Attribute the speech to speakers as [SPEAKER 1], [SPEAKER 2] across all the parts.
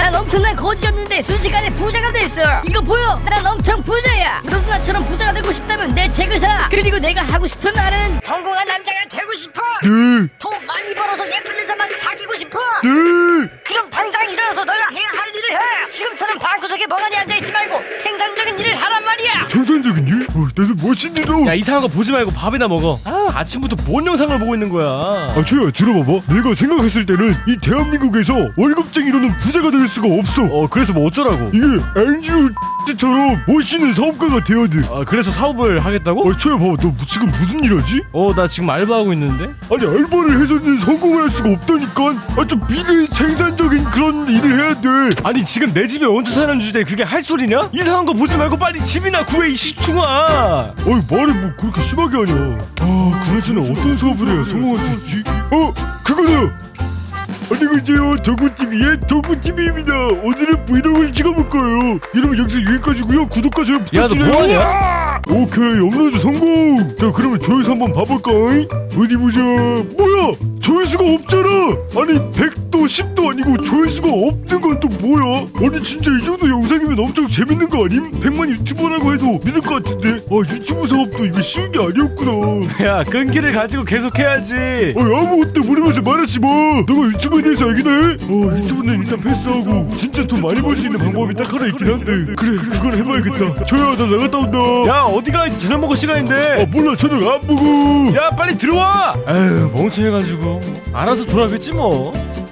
[SPEAKER 1] 난 엄청난 거지였는데 순식간에 부자가 됐어. 이거 보여? 난 엄청 부자야. 너도 나처럼 부자가 되고 싶다면 내 책을 사. 그리고 내가 하고 싶은 말은 성공한 남자가 되고 싶어.
[SPEAKER 2] 네.
[SPEAKER 1] 돈 많이 벌어서 예쁜 여자만 사귀고 싶어.
[SPEAKER 2] 네.
[SPEAKER 1] 그럼 당장 일어나서 너가 해야 할 일을 해. 지금처럼 방구석에 멍하니 앉아있지 말고 생산적인 일을 하란 말이야.
[SPEAKER 2] 생산적인 일? 나도 멋있는데.
[SPEAKER 3] 야, 이상한 거 보지 말고 밥이나 먹어. 아침부터 뭔 영상을 보고 있는 거야.
[SPEAKER 2] 아, 최야 들어봐봐. 내가 생각했을 때는 이 대한민국에서 월급쟁이로는 부자가 될 수가 없어.
[SPEAKER 3] 그래서 뭐 어쩌라고?
[SPEAKER 2] 이게 앵주 X처럼 멋있는 사업가가 돼야 돼.
[SPEAKER 3] 그래서 사업을 하겠다고?
[SPEAKER 2] 최야 봐봐. 너 지금 무슨 일 하지?
[SPEAKER 3] 나 지금 알바하고 있는데?
[SPEAKER 2] 아니 알바를 해서는 성공을 할 수가 없다니까. 좀 비생산적인 그런 일을 해야 돼.
[SPEAKER 3] 아니 지금 내 집에 얹혀 사는 주제에 그게 할 소리냐? 이상한 거 보지 말고 빨리 집이나 구해 이 시충아.
[SPEAKER 2] 말을 뭐 그렇게 심하게 하냐. 그나저나 어떤 사업을 해야 성공할 수 있지? 그거다. 안녕하세요, 동구TV의 동구TV입니다. 오늘은 브이로그를 찍어볼 거예요. 여러분 영상 여기까지고요. 구독과 좋아요 부탁드려요.
[SPEAKER 3] 야, 너 뭐하냐?
[SPEAKER 2] 오케이, 업로드 성공. 자, 그러면 조회수 한번 봐볼까? 어디 보자. 뭐야, 조회수가 없잖아. 아니 100도 10도 아니고 조회수가 없는 건 또 뭐야? 아니 진짜 이 정도 영상이면 엄청 재밌는 거 아님? 100만 유튜버라고 해도 믿을 것 같은데. 유튜브 사업도 이거 쉬운 게 아니었구나.
[SPEAKER 3] 야, 끈기를 가지고 계속 해야지.
[SPEAKER 2] 아무것도 모르면서 말하지 마. 너가 유튜브에 대해서 알긴 해? 유튜브는 일단 패스하고 진짜 돈 많이 벌 수 있는 방법이 딱 하나 있긴 한데. 그래, 그걸 해봐야겠다. 저야, 나 나갔다 온다.
[SPEAKER 3] 야, 어디가? 이제 저녁 먹을 시간인데.
[SPEAKER 2] 몰라, 저녁 안 먹어.
[SPEAKER 3] 야, 빨리 들어와. 에휴, 멍청해가지고 알아서 돌아오겠지 뭐.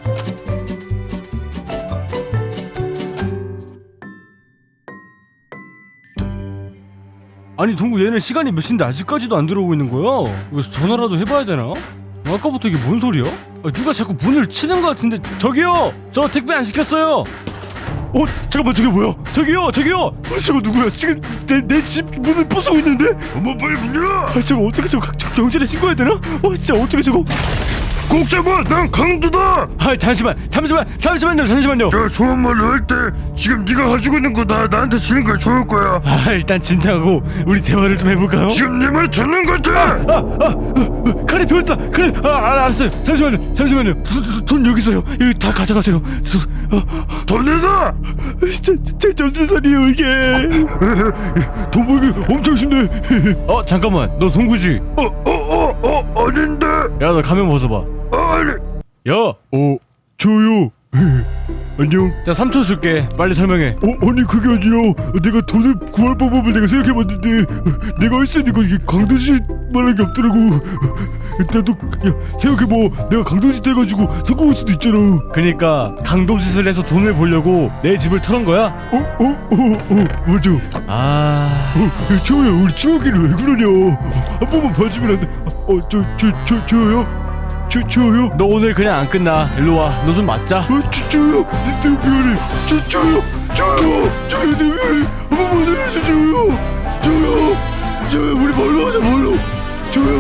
[SPEAKER 3] 아니 동구, 얘는 시간이 몇 시인데 아직까지도 안 들어오고 있는 거야? 이거 전화라도 해봐야 되나? 아까부터 이게 뭔 소리야? 누가 자꾸 문을 치는 것 같은데. 저기요! 저 택배 안 시켰어요!
[SPEAKER 2] 잠깐만, 저게 뭐야?
[SPEAKER 3] 저기요!
[SPEAKER 2] 저거 누구야? 지금 내 집 문을 부수고 있는데? 빨리 문 열어! 저거 어떻게 저거 경찰에 신고해야 되나? 진짜 어떻게 저거? 꼭 잡아! 난 강도다!
[SPEAKER 3] 잠시만요.
[SPEAKER 2] 자, 좋은 말로 할 때 지금 네가 가지고 있는 거 나한테 주는 거 좋을 거야.
[SPEAKER 3] 일단 진정하고 우리 대화를 좀 해볼까요?
[SPEAKER 2] 지금 내 말 듣는 것 같아!
[SPEAKER 3] 칼이 비었다. 칼이. 알았어요. 잠시만요.
[SPEAKER 2] 돈 여기 있어요.
[SPEAKER 3] 여기 다 가져가세요.
[SPEAKER 2] 돈 내놔! 진짜 정신살이에요 이게. 돈 벌기 엄청 쉽네.
[SPEAKER 3] 잠깐만, 너 동구지?
[SPEAKER 2] 아닌데.
[SPEAKER 3] 야, 너 가면 벗어봐.
[SPEAKER 2] 아니.
[SPEAKER 3] 야!
[SPEAKER 2] 저요. 안녕.
[SPEAKER 3] 자, 3초 줄게. 빨리 설명해.
[SPEAKER 2] 아니 그게 아니라 내가 돈을 구할 방법을 내가 생각해봤는데 내가 할 수 있는 건 이게 강도짓 말할 게 없더라고. 나도 생각해봐. 내가 강도짓 해가지고 성공할 수도 있잖아.
[SPEAKER 3] 그니까 강도짓을 해서 돈을 벌려고 내 집을 털은 거야?
[SPEAKER 2] 맞아.
[SPEAKER 3] 저요,
[SPEAKER 2] 우리 추억이를 왜 그러냐. 한 번만 봐주면 안 돼? 저요? 저요?
[SPEAKER 3] 너 오늘 그냥 안 끝나. 일로 와. 너 좀 맞자.
[SPEAKER 2] 저요? 내 미안해. 저요? 내 미안해. 한 번만 해주세요. 저요? 우리 말로 하자, 말로. 저요?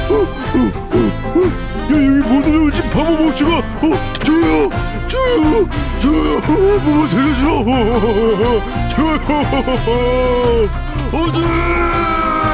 [SPEAKER 2] 야, 여기 못 올라오지 바보 멍청아. 저요? 한 번만 살려주라. 저요? 어디?